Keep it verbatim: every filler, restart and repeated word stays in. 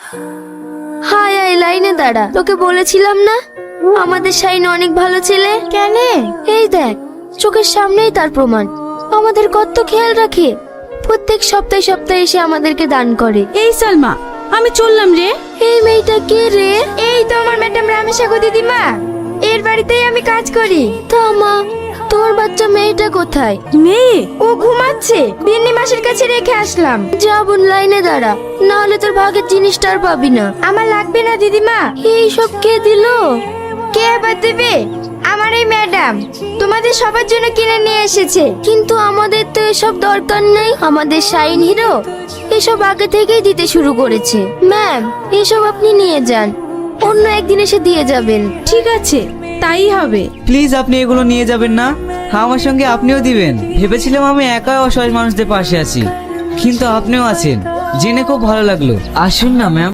Hi I লাইনে দাঁড়া, তোকে বলেছিলাম না আমাদের শাইন অনেক ভালো ছেলে। কেন? এই দেখ, চোখের সামনেই তার প্রমাণ। আমাদের কত খেয়াল রাখে, প্রত্যেক সপ্তাহে সপ্তাহে এসে আমাদেরকে দান করে। এই সালমা, আমি চললাম রে। এই মেয়েটা কে রে? এই তো আমার ম্যাডাম রামেশাগো দিদিমা, এর বাড়িতেই আমি কাজ করি। তা মা, তোর বাচ্চা মেয়েটা কোথায়? মেয়ে? ও ঘুমাচ্ছে, বিন্নি মাসের কাছে রেখে আসলাম। যা বোন, লাইনে দাঁড়া, না হলে তোর ভাগের জিনিসটা আর পাবি না। আমার লাগবে না দিদিমা। এই সব কে দিলো? কে আবার দেবে? আমার এই ম্যাডাম তোমাদের সবার জন্য কিনে নিয়ে এসেছে। কিন্তু আমাদের তো এসব দরকার নেই, আমাদের শাইন হিরো এসব আগে থেকেই দিতে শুরু করেছে। ম্যাম, এসব আপনি নিয়ে যান, অন্য একদিন এসে দিয়ে যাবেন। ঠিক আছে, তাই হবে। প্লিজ আপনি এগুলো নিয়ে যাবেন না, আমার সঙ্গে আপনিও দিবেন। ভেবেছিলাম আমি একাই অসহায় মানুষদের পাশে আছি, কিন্তু আপনিও আছেন, জেনে খুব ভালো লাগলো। আসুন না ম্যাম।